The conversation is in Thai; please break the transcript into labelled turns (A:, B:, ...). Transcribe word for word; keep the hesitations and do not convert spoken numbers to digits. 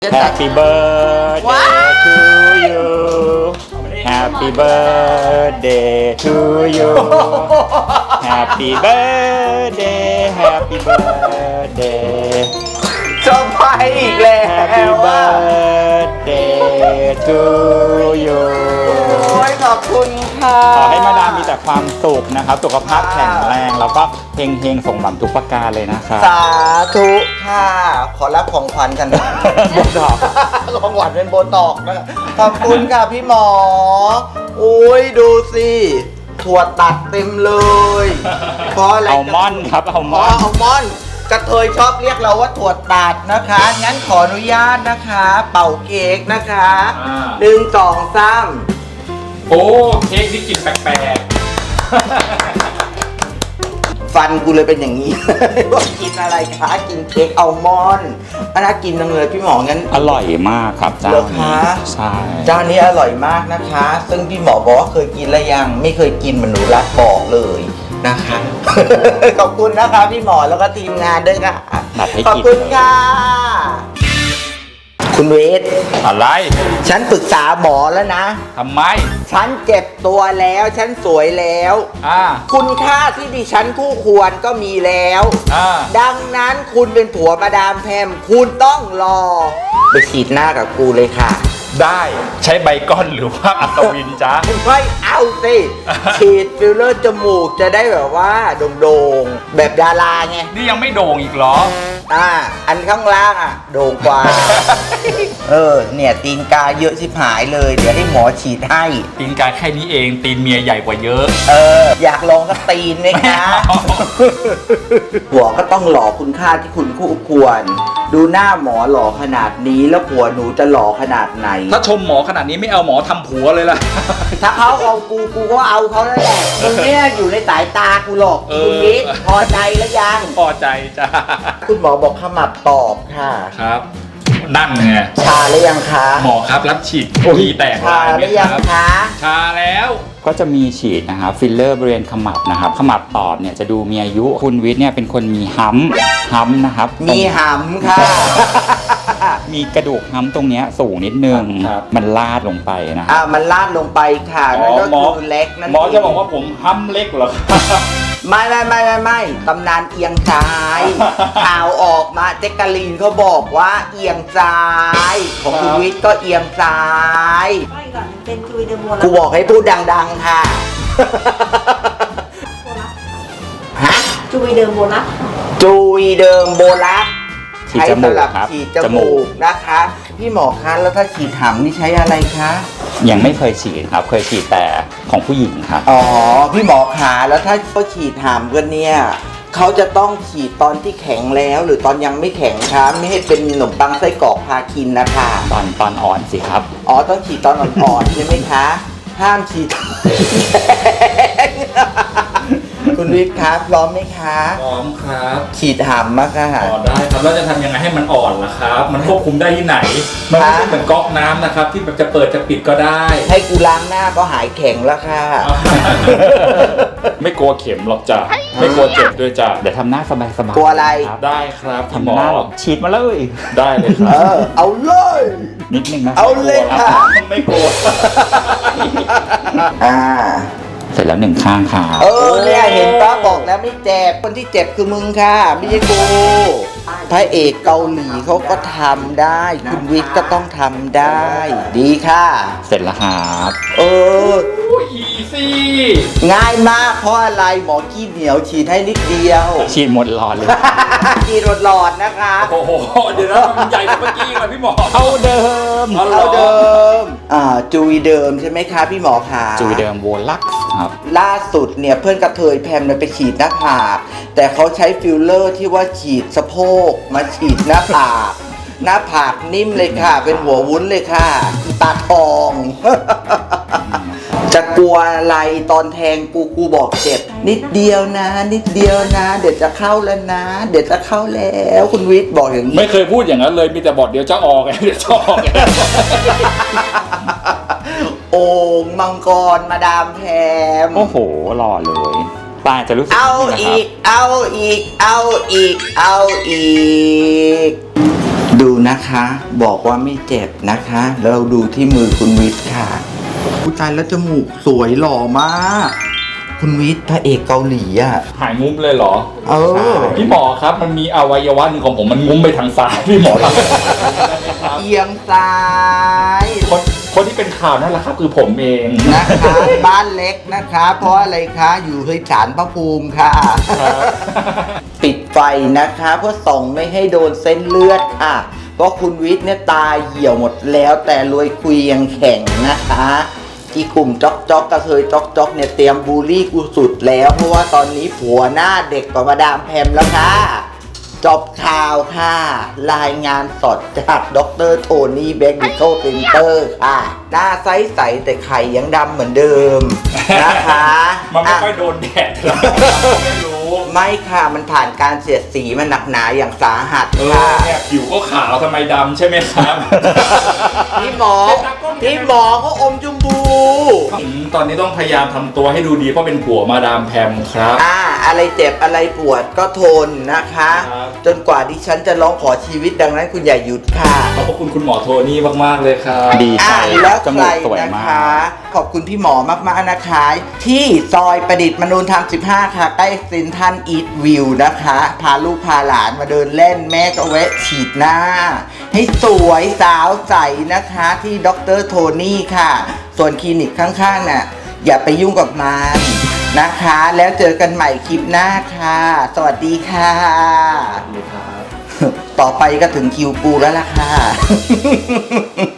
A: Happy birthday to you Happy birthday to you Happy birthday Happy birthday
B: เซอร์ไพรส์อีกแล้ว
A: Happy birthday to you
B: โอ้ยขอบคุณค่ะ
A: ขอให้มาดามมีแต่ความสุขนะครับสุขภาพแข็งแรงแล้วก็เฮงเฮงๆส่งหวังทุกประการเลยนะครับ
B: สาธุค่ะ ขอรับของขวัญกันนะ
A: โบท็อกซ์
B: ของขวัญเป็นโบตอกนะขอบคุณค่ะพี่หมออุ้ยดูสิถั่วตัดเต็มเลยเพราะอะไร
A: อัลมอนด์ครับอัลม
B: อ๋อ
A: อนด์
B: อัลมอนด์กระเทยชอบเรียกเราว่าถั่วตัดนะคะ งั้นขออนุญาตนะคะ เป่าเค้กนะคะหนึ่งสองสาม
A: โอ้เค้กที่กินแปลก
B: ฟันกูเลยเป็นอย่างนี้ ว่ากินอะไรคะกินเค้กอัลมอนด์น่ากินจังเลยพี่หมองั้น
A: ๆอร่อยมากครับเจ้า
B: เหรอ
A: นี้
B: คะ
A: ใช่
B: เจ้านี้อร่อยมากนะคะ ซึ่งพี่หมอบอกว่าเคยกินแล้วยังไม่เคยกินเหมันหนูรักบอกเลยนะคะ ขอบคุณนะคะพี่หมอแล้วก็ทีมงานด้วยค่ะ
A: นัดให้
B: ขอบ
A: กิน
B: คุณ
A: เลย
B: ค่ะ คุณเวท
A: อะไร
B: ฉันปรึกษาหมอแล้วนะ
A: ทำไม
B: ฉันเจ็บตัวแล้วฉันสวยแล้ว
A: อ่า
B: คุณค่าที่ดิฉันคู่ควรก็มีแล้ว
A: อ่า
B: ดังนั้นคุณเป็นผัวมาดามแพมคุณต้องรอ ไปฉีดหน้ากับกูเลยค่ะ
A: ได้ใช้ใบก้อนหรือว่าอัศวินจ้า
B: ไม่เอาสิ ฉีดฟิลเลอร์จมูกจะได้แบบว่าโด่งๆ แบบดาราไง
A: นี่ยังไม่โด่งอีกเหรอ
B: อ่า อันข้างล่างอ่ะ โด่งกว่า เออ เนี่ยตีนกาเยอะชิบหายเลย เดี๋ยวให้หมอฉีดให้
A: ตีนกาแค่นี้เองตีนเมียใหญ่กว่าเยอะ
B: เออ อยากลองก็ตีนไหมคะ
A: ไม่เอา
B: ผัวก็ต้องหล่อคุณค่าที่คุณคู่ควร ดูหน้าหมอหล่อขนาดนี้แล้วผัวหนูจะหล่อขนาดไหน
A: ถ้าชมหมอขนาดนี้ไม่เอาหมอทำผัวเลยล่ะ
B: ถ้าเขาเอากูกูก็เอาเขาแล้วแหละมึงเนี่ยอยู่ในสายตากูหรอก
A: เออ
B: คุณนิดพอใจแล้วยัง
A: พอใจจ้า
B: คุณหมอบอกขมับตอบค่ะ
A: ครับ นั่นไง
B: ชาหรือยังคะ
A: หมอครับรับฉีดทีแตก
B: ชา
A: ลาย
B: ห
A: ไหม
B: รือ
A: ค
B: ยัง
A: รับ
B: คะ
A: ชาแล้วก็จะมีฉีดนะครับฟิลเลอร์บริเวณขมับนะครับขมับตอบเนี่ยจะดูมีอายุคุณวิทย์เนี่ยเป็นคนมีฮัมป์ฮัมป์นะครับ
B: มีหำค่ะ
A: มีกระดูกฮัมป์ตรงเนี้ยสูงนิดนึง
B: ครับ
A: มันลาดลงไปนะค
B: อ่า
A: รับ
B: มันลาดลงไปค่ะนั่นก็คือเล็กนั่น
A: หมอจะบอกว่าผมฮัมป์เล็กเหรอครับ
B: ไม่ไม่ไม่ไม่ไม่ตำนานเอียงซ้าย ข่าวออกมาเจ๊กกะลีนเขาบอกว่าเอียงซ้าย ของคุณวิทย์ก็เอียงซ้าย
C: ไม่ก่อนเป็นจุยเดโม
B: กูบอกให้พูดดังๆค่ะ ฮะ
C: จุยเดิมโบลัส
B: จุยเดิมโบลัส
A: ฉีด
B: ใช้
A: จมูก
B: สำหรับ
A: ครับ
B: ฉีดจ
A: จมู
B: มู
A: ก
B: กนะคะ พี่หมอคะแล้วถ้าฉีดหำนี่ใช้อะไรคะ
A: ยังไม่เคยฉีดครับเคยฉีดแต่ของผู้หญิงครับ
B: อ๋อ พี่หมอขาแล้วถ้าเขาฉีดหำกันเนี่ยเขาจะต้องฉีดตอนที่แข็งแล้ว หรือตอนยังไม่แข็งคะไม่ให้เป็นขนมปังไส้กรอกพาคินนะคะ
A: ตอนตอนอ่อนสิครับ
B: อ๋อต้องฉีดตอนอ่อนๆใช่ไหมคะ ห้ามฉีดตอนแข็งคุณวิทย์คะพร้อมไหมคะ
A: พร้อมครับ
B: ฉีดหำมากค่ะ
A: อ๋อได้ครับแล้วจะทำยังไงให้มันอ่อนล่ะครับ มันควบคุมได้ที่ไหน มันไม่ใช่เหมือนก๊อกน้ำนะครับ ที่แบบจะเปิดจะปิดก็ได้
B: ให้กูล้างหน้าก็หายแข็งแล้วค่ะ
A: ไม่กลัวเข็มหรอกจ้ะไม่กลัวเจ็บด้วยจ้ะเดี๋ยวทำหน้าสบายสบาย
B: กลัวอะไร
A: ได้ครับ
B: ทำหน้าหรอก
A: ฉีดมาเลยได้เลยค
B: เอ
A: รับ
B: อ เอาเลย
A: นิดนึงนะ
B: เอาเลยค่ะ
A: ไม่กลัว
B: อ่า
A: เสร็จแล้วหนึ่งข้างค่ะ
B: เออเนี่ยเห็นป้าบอกแล้วไม่เจ็บ คนที่เจ็บคือมึงค่ะ ไม่ใช่กูพระเอกเกาหลีเขาก็ทำได้ คุณวิทย์ก็ต้องทำได้ ดีค่ะ
A: เสร็จแล้วครับ
B: เออ
A: อีซี่
B: ง่ายมากเพราะอะไรหมอขี้เหนียวฉีดให้นิดเดียว
A: ฉีดหมดหลอดเลย
B: ฉีดหลอดๆนะคะ
A: โอ้โหเดี๋ยวนะมันใหญ่กว่าเมื่อกี้เลยพี่หมอเท่าเดิม
B: เอาเดิม อ่า จุยเดิมใช่ไหมคะพี่หมอคะ
A: จุยเดิมโวลักซ์ครับ
B: ล่าสุดเนี่ยเพื่อนกระเทยแพมเนี่ยไปฉีดหน้าผากแต่เขาใช้ฟิลเลอร์ที่ว่าฉีดสะโพกมาฉีดหน้าผากหน้าผากนิ่มเลยค่ะ เป็นหัววุ้นเลยค่ะอีตาทอง จะกลัวอะไรตอนแทงกูกูบอกเจ็บ นิดเดียวนะ นิดเดียวนะ เดี๋ยวจะเข้าแล้วนะ เดี๋ยวจะเข้าแล้วคุณวิทย์บอกอย่างนี้
A: ไม่เคยพูดอย่างนั้นเลยมีแต่บอกเดี๋ยวจะออกไงเดี๋ยวจะออกไง
B: โอ่งมังกรมาดามแพม
A: โอ้โหหล่อเลยตาจะรู้สึก
B: เอา
A: นี่นะค
B: อี
A: รับ
B: ก เอาอีก เอาอีก เอาอีกดูนะคะ บอกว่าไม่เจ็บนะคะ แล้วเราดูที่มือคุณวิทย์ค่ะผู้ชายแล้วจมูกสวยหล่อมาก คุณวิทย์พระเอกเกาหลีอ่ะ
A: หายงุ้มเลยเหรอ
B: เออ
A: พี่หมอครับมันมีอวัยวะหนึ่งของผมมันงุ้มไปทางซ้ายพี่หมอทำได้ไหมครับ
B: เอียงซ้าย
A: คนคนที่เป็นข่าวนั่นแหละครับคือผมเอง
B: นะคะ บ้านเล็กนะคะ เพราะอะไรคะ อยู่ที่ศาลพระภูมิค่ะ ปิดไฟนะคะ เพื่อส่องไม่ให้โดนเส้นเลือดค่ะ เพราะคุณวิทย์เนี่ยตาเหี่ยวหมดแล้วแต่รวยคุยยังแข็งนะคะอีกลุ่มจ๊อกจ๊อกกระเทยจ๊อกจ๊อกเนี่ยเตรียมบูลลี่กูสุดแล้ว เพราะว่าตอนนี้ผัวหน้าเด็กกว่ามาดามแพมแล้วค่ะ จบข่าวค่ะ รายงานสดจากดรโทนี่เบคนิโคเซนเตอร์ค่ะ หน้าใสๆแต่ไข่ยังดำเหมือนเดิมนะคะ
A: มันไม่
B: อ่ะ
A: ค่อยโดนแดดหรอกไม่รู้
B: ไม่ค่ะมันผ่านการเสียดสีมันหนักหนาอย่างสาหัส
A: เออ
B: ค่ะ
A: เนี่ยผิวก็ขาวทำไมดำใช่ไหมครับ
B: พี่หมอ พี่หมอเขาอมชมพู
A: อืมตอนนี้ต้องพยายามทำตัวให้ดูดีเพราะเป็นผัวมาดามแพมครับ
B: อ่า อะไรเจ็บอะไรปวดก็ทนนะคะ
A: ครับ
B: จนกว่าดิฉันจะร้องขอชีวิตดังนั้นคุณอย่าหยุดค่ะ
A: ขอบพระคุณคุณหมอโทนี่มากๆเลยครับ
D: ดีใจ
B: อ่าแล้ว
D: จ
B: ใค
D: มู
B: ร
D: กสวย
B: นะ
D: มา
B: คะ
D: ก
B: ขอบคุณพี่หมอมากๆนะคะ ที่ซอยประดิษฐ์มนูนธรรมสิบห้าค่ะ ใกล้เซนทรัลอีทวิวนะคะ พาลูกพาหลานมาเดินเล่นแม่ก็แวะฉีดหน้า ให้สวยสาวใสนะคะที่ดรโทนี่ค่ะ ส่วนคลินิกข้างๆน่ะอย่าไปยุ่งกับมันนะคะ แล้วเจอกันใหม่คลิปหน้าค่ะ สวัสดีค่ะ ต่อไปก็ถึงคิวกูแล้วล่ะค่ะ